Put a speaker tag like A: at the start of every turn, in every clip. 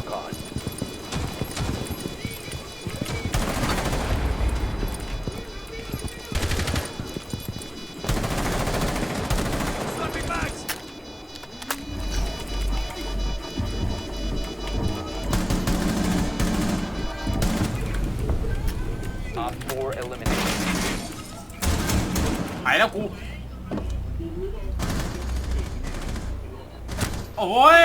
A: all costs. 4 eliminated.
B: หายแล้วกูโอ้ย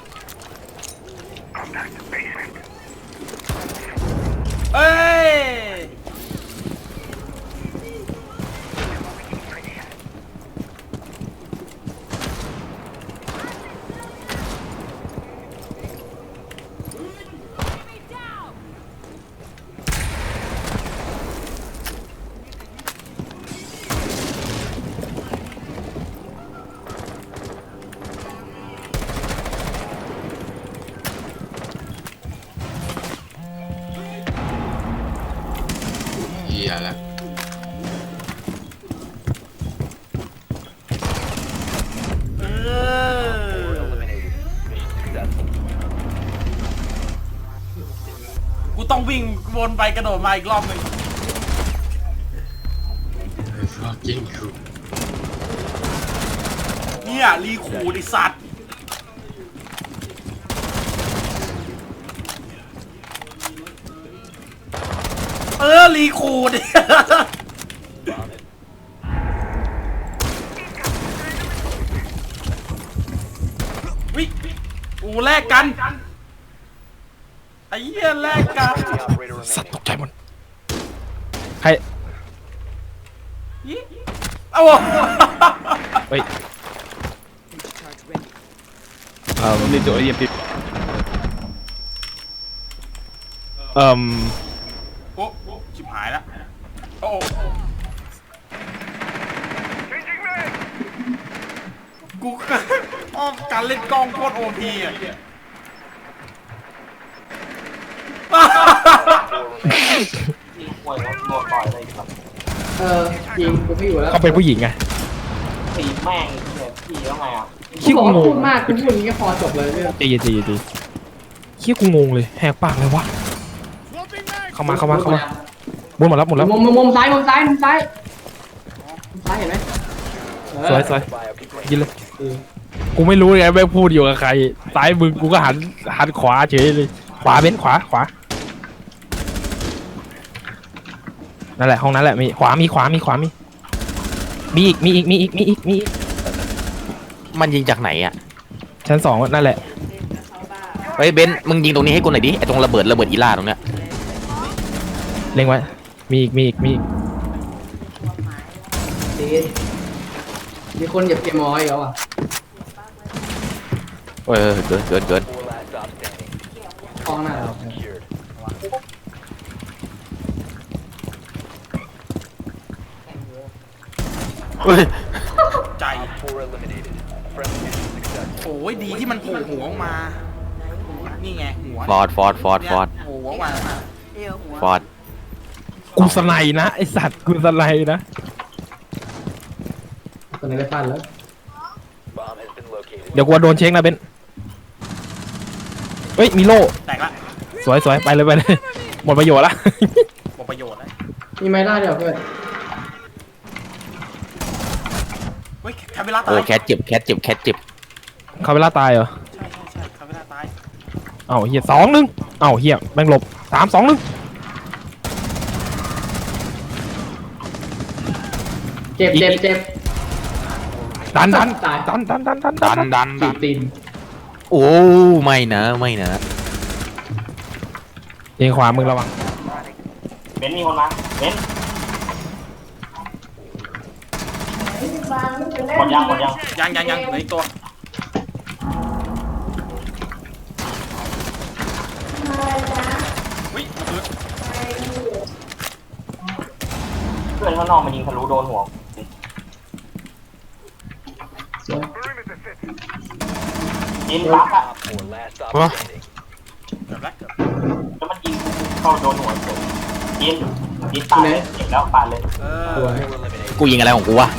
B: เอ้ย
C: เหี้ยแล้ว
A: 4 eliminated. Mission successful.
B: กูต้องวิ่งวนไปกระโดดมาอีกรอบหนึ่ง
C: fucking cool
B: เนี่ยรีคูดไอสัตว์รีคูด วิกูแลกกันไอ้เหี้ยแลกกัน
A: The operator
D: สัตว์ต
A: remaining.
D: กใจหมดใคร
B: เอา
D: เฮ้ยนี่ตัวเยี่ยมปิ๊บ
B: โอ้ชิบหายแล้วโอ้กูอ้อมการเล่นกล้องโคตรโอพีอ่ะ
E: จริงกูไม่อยู่แล้ว
D: เขาเป็นผู้หญิงไง
F: ตีแม่งเนี่ยพี่แล้วไงอ่ะ
E: กูบอกว่าพูดมากกูพูดอย่างนี้ก็พอจบเลยเรื่อง
D: ใจเย็นใจเย็นใจเฮียกูงงเลยแหกปากเลยวะเข้ามาหมดแล้ว
E: มุมซ้ายมุมซ้ายมุมซ้ายมุมซ้ายเห็นไหม
D: สวย
A: Biocontainer.
D: ยินเลยกูไม่รู้ไงแม่งพูดอยู่กับใครซ้ายมึงกูก็หันขวาเฉยเลยขวาเบ้นขวานั่นแหละห้องนั้นแหละมีขวามีอีก
G: มันยิงจากไหนอ่ะ
D: ชั้น 2นั่นแหละ
G: เฮ้ยเบนซ์มึงยิงตรงนี้ให้กูหน่อยดิไอตรงระเบิดอีล่าตรงเนี้ย
D: เล็งไว้มีอีก
E: มีคนเหยียบเกมมอยแล้วอ่ะ
G: เออเกิน
A: 4 last stop standing.
E: กล้องหน้าเรา
A: Secured.
G: เฮ้ย
B: ใจ
A: 4 eliminated. Friendly mission successful.
B: โอ้ยดีที่มันโผล่หัวออกมา นี่ไงหัว
G: ฟอร์ด
B: โผล่หัวออกมา
G: ฟอร์ด
D: กูสไนนะไอสัตว์กูสไนนะ
E: ตอนนี้ได้ฟันแล้ว
A: Bomb has been located.
D: เดี๋ยวกูโดนเช็คนะเบนเฮ้ยมีโล่
B: แตกละ
D: สวยไปเลยหมดประโยชน์ละ
B: หมดประโยชน์แล้ว
E: มีไม้ล่าเดียวเพื่อน
B: เฮ้ยแคปเวลาตา
G: โอ้
B: ย
G: แคทเจ็บ
D: เขาเวลาตายเหรอ
B: ใช่แคปเวลาตาย
D: เอ้าเฮีย2-1เอ้าเฮียแม่งหลบ3-2-1
E: เจ็บ
D: ดัน
E: ตาย
G: ดัน
E: ตีตีน
G: โอ้ไม่นะ
D: เองขวามึงระวัง
F: เบนซ์มีคนมาเบนซ์หมดยัง
B: ยังเหลืออีกตัว วิระเบิด
F: เพื่อนข้างนอกมันยิงทะลุโดนหัว
E: สวย
F: ยิงปั๊บอะ
A: Op 4 last stop
G: Huh?
A: standing.
B: เกือบแล้ว
F: แล้วมันยิงเข้าโดนหัวเฉยยิงปาดเลยเจ็บแล้วปาดเลย
E: สวย
A: 4 eliminated.
G: กูยิงอะไรของกูวะ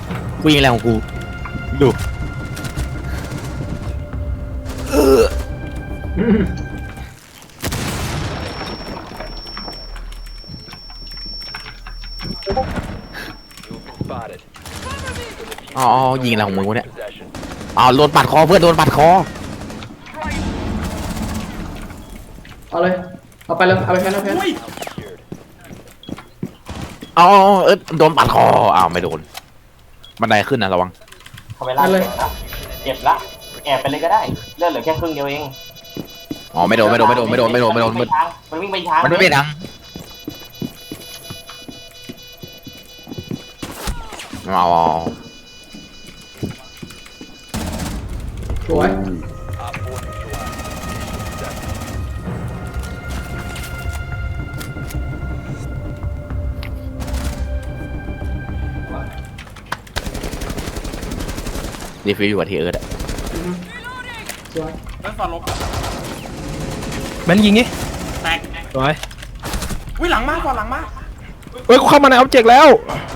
G: ดู
A: You've been spotted.
G: อ๋อยิงอะไรของมึงวะเนี่ย
A: Possession.
G: อ๋อโดนปัดคอเพื่อนโดนปัดคอ
E: เอาเลยเอาไปเลยเอาไปแพ้แล้วแพ้
B: อุ้ย
A: Secured.
G: อ๋อโดนปัดคออ้าวไม่โดนบันไดขึ้นนะระวัง
F: เขาไปล่าเจ็บละเจ็บละแอบไปเลยก็ได้เลือดเหลือแค่ครึ่งเดียวเอง
G: อ๋อไม่โดน
F: มันวิ่งไปทางมันวิ่งไปทาง
G: มันไม่เป็นดังอ๋อ
E: สวย
A: Op 4 neutralized. Successful.
G: รีฟิวอยู่กับทีเอิร์ดอะ
E: สวย
B: เล่นฟอนลบ
D: แบนยิงงี้
B: แตก
D: สวย
B: อุ้ยหลังมากฟอนหลังมาก
D: เฮ้ยกูเข้ามาในออบเจกต์แล้ว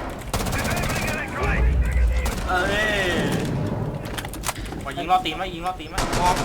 B: เอ้ยขอยิงรอตีนไหมยิงรอตีนไหมมอง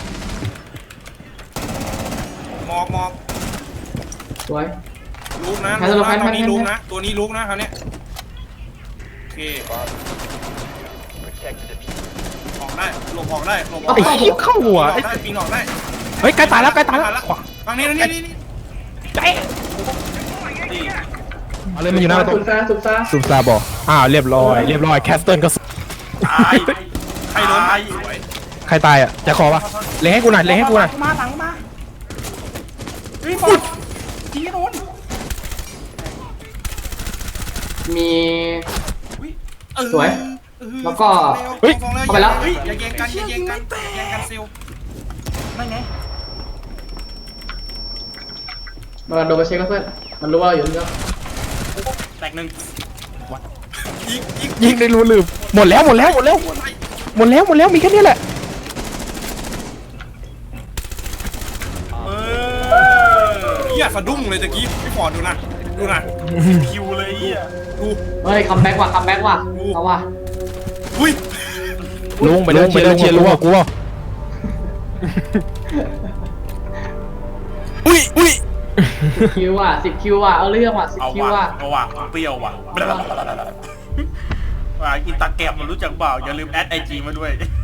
B: มอง
E: สวย
B: ลูกนะ
E: แพ้แล้วแพ้
B: ตัวนี้
E: แพ้
B: ลูกนะตัวนี้ลูกนะคราวเนี้ยโอเค
A: Protect the diffuser.
B: ออกได้หลบออกได้หลบออก
D: ไอ้
B: ได้
D: เหี้ยเข้าหัว
B: ออกได้ปีนออกได้
D: เฮ้ยใกล้ตายแล้วใกล้ตายแล้วขวา
B: ฝั่งนี้นี่
D: ใจ
B: นี่
D: เอาเลยมันอยู่หน้าประตู
E: สุดซ่าสุดซ่า
D: ซูมซาบอกเรียบร้อยแคสเติลก็
B: ตายใครโดนตาย
D: ใครตายอ่ะจะขอปะเล็งให้กูหน่อยเล็งให้กูหน่อย
B: มาหลังมาเฮ้ยบอลจีโดน
E: มี
B: เออ
E: สวย แล้วก็
D: เฮ้ย
E: เข้าไปแล้ว
B: เฮ้ยอย่าแย่งกันอย่าแย่งกันอย่าแย่งกันซิลไม่ไง
E: มาโดนไปเช็คแล้วเพื่อนมันรู้ว่าเราอยู่นี่แล้ว
B: แตกหนึ่ง
D: ยิงในรูลืมหมดแล้วมีแค่นี้แหละ
B: เออเหี้ยสะดุ้งเลยตะกี้พี่ฟอร์ดดูนะคิวเลยเหี้ยดู
E: เฮ้ยคัมแบ็กว่ะคัมแบ็กว่ะเอาว่ะ
B: อุ้ย
D: ลุงไปเดินเชียร์ลุงกับกูอ่ะ
B: อุ้ย
E: คิวว่ะ10 คิวว่ะเอาเรื่องว่ะ
B: เอา
E: 10 คิว
B: ว่ะ
E: ว่ะ
B: เอาว่ะเปรี้ยวว่ะว่าอินตาแกรมมันรู้จักเปล่าอย่าลืมแอดไอจีมาด้วย